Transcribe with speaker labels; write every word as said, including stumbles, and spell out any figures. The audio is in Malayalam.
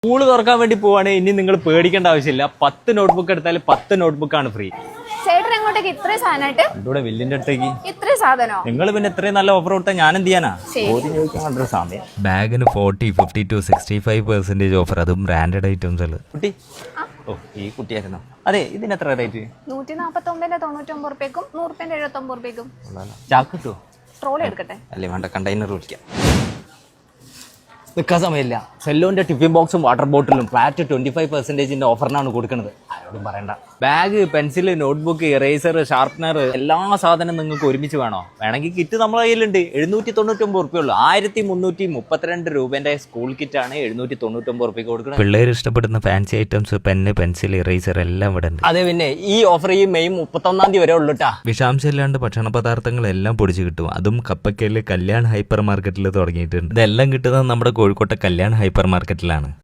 Speaker 1: സ്കൂള് തുറക്കാൻ വേണ്ടി പോവാണെങ്കിൽ ഇനി നിങ്ങൾ പേടിക്കേണ്ട ആവശ്യമില്ല. പത്ത് നോട്ട്ബുക്ക് എടുത്താൽ പത്ത് നോട്ട്ബുക്കാണ് ഫ്രീ.
Speaker 2: ചേട്ടൻ എങ്ങോട്ടേക്ക് ഇത്രയും സാധനമായിട്ട്?
Speaker 1: ഇവിടെ വില്ലിന്റെ അടുത്തേക്ക്.
Speaker 2: ഇത്രയും സാധനോ?
Speaker 1: നിങ്ങൾ പിന്നെ ഇത്രയും നല്ല ഓഫർ കൊടുത്താൽ ഞാൻ എന്ത് ചെയ്യാനാ? ചോദിക്കാൻ സമയം. ബാഗിന് forty fifty to sixty five percentage offer, അതും ബ്രാൻഡഡ് ഐറ്റംസ്. കുട്ടി ഓ ഈ കുട്ടിയായിരുന്നു. അതെ, ഇതിന് എത്ര റേറ്റ്?
Speaker 2: നൂറ്റി നാപ്പത്തി ഒമ്പതിന്റെ തൊണ്ണൂറ്റി ഒമ്പത് റുപ്യക്കും നൂറ് റുപ്യന്റെ എഴുപത്തി ഒമ്പത് റുപ്യക്കും.
Speaker 1: ചാക്ക് കിട്ടുമോ?
Speaker 2: ട്രോളി എടുക്കട്ടെ?
Speaker 1: അല്ലേ വേണ്ട, കണ്ടെയ്നർ വിളിക്കാം. നിൽക്കാൻ സമയമില്ല. സെല്ലോന്റെ ടിഫിൻ ബോക്സും വാട്ടർ ബോട്ടിലും ഫ്ലാറ്റ് ട്വന്റി ഫൈവ് പെർസെന്റേജിന്റെ ഓഫറിനാണ് കൊടുക്കുന്നത്. ആരോടും പറയണ്ട. Bag, pencil, notebook, eraser, sharpener, എല്ലാ സാധനം നിങ്ങൾക്ക് ഒരുമിച്ച് വേണോ? വേണമെങ്കിൽ കിറ്റ് നമ്മളെ കയ്യിലുണ്ട്. എഴുന്നൂറ്റി തൊണ്ണൂറ്റി ഒമ്പത് റുപ്യ ഉള്ളൂ. ആയിരത്തി മുന്നൂറ്റി മുപ്പത്തിരണ്ട് രൂപന്റെ സ്കൂൾ കിറ്റാണ് എഴുന്നൂറ്റി തൊണ്ണൂറ്റി ഒമ്പത് റുപ്യക്ക് കൊടുക്കുന്നത്.
Speaker 3: പിള്ളേർ ഇഷ്ടപ്പെടുന്ന fancy items, pen, pencil, eraser എല്ലാം ഇവിടെ ഉണ്ട്.
Speaker 1: അതെ, പിന്നെ ഈ ഓഫർ ഈ മെയ് മുപ്പത്തൊന്നാം തീയതി വരെ ഉള്ളൂട്ടാ.
Speaker 3: വിഷാംശം ഇല്ലാണ്ട് ഭക്ഷണ പദാർത്ഥങ്ങളെല്ലാം പൊടിച്ച് കിട്ടും. അതും കപ്പക്കയില് കല്യാൺ ഹൈപ്പർ മാർക്കറ്റിൽ തുടങ്ങിയിട്ടുണ്ട്. ഇതെല്ലാം കിട്ടുന്നത് നമ്മുടെ കോഴിക്കോട്ടെ കല്യാൺ ഹൈപ്പർ മാർക്കറ്റിലാണ്.